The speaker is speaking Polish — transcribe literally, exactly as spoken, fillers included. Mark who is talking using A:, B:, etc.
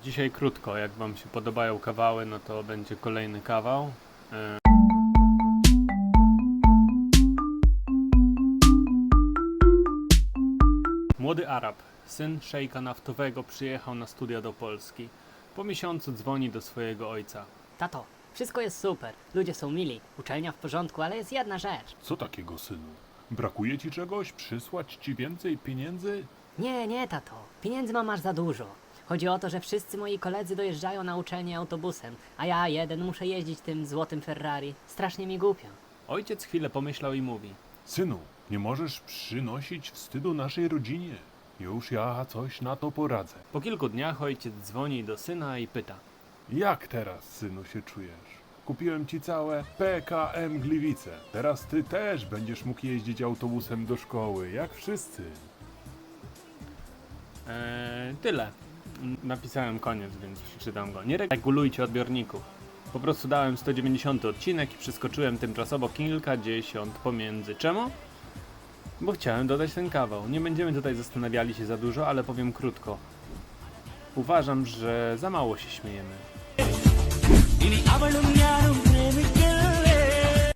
A: Dzisiaj krótko, jak wam się podobają kawały, no to będzie kolejny kawał. E... Młody Arab, syn szejka naftowego, przyjechał na studia do Polski. Po miesiącu dzwoni do swojego ojca.
B: Tato, wszystko jest super, ludzie są mili, uczelnia w porządku, ale jest jedna rzecz.
C: Co takiego, synu? Brakuje ci czegoś? Przysłać ci więcej pieniędzy?
B: Nie, nie, tato, pieniędzy mam aż za dużo. Chodzi o to, że wszyscy moi koledzy dojeżdżają na uczelnię autobusem, a ja jeden muszę jeździć tym złotym Ferrari. Strasznie mi głupio.
A: Ojciec chwilę pomyślał i mówi.
C: Synu, nie możesz przynosić wstydu naszej rodzinie. Już ja coś na to poradzę.
A: Po kilku dniach ojciec dzwoni do syna i pyta.
C: Jak teraz, synu, się czujesz? Kupiłem ci całe P K M Gliwice. Teraz ty też będziesz mógł jeździć autobusem do szkoły, jak wszyscy.
A: Eee, tyle. Napisałem koniec, więc przeczytam go. Nie regulujcie odbiorników. Po prostu dałem sto dziewięćdziesiąty odcinek i przeskoczyłem tymczasowo kilkadziesiąt pomiędzy. Czemu? Bo chciałem dodać ten kawał. Nie będziemy tutaj zastanawiali się za dużo, ale powiem krótko. Uważam, że za mało się śmiejemy.
D: ഇനി അവളും ഞാനും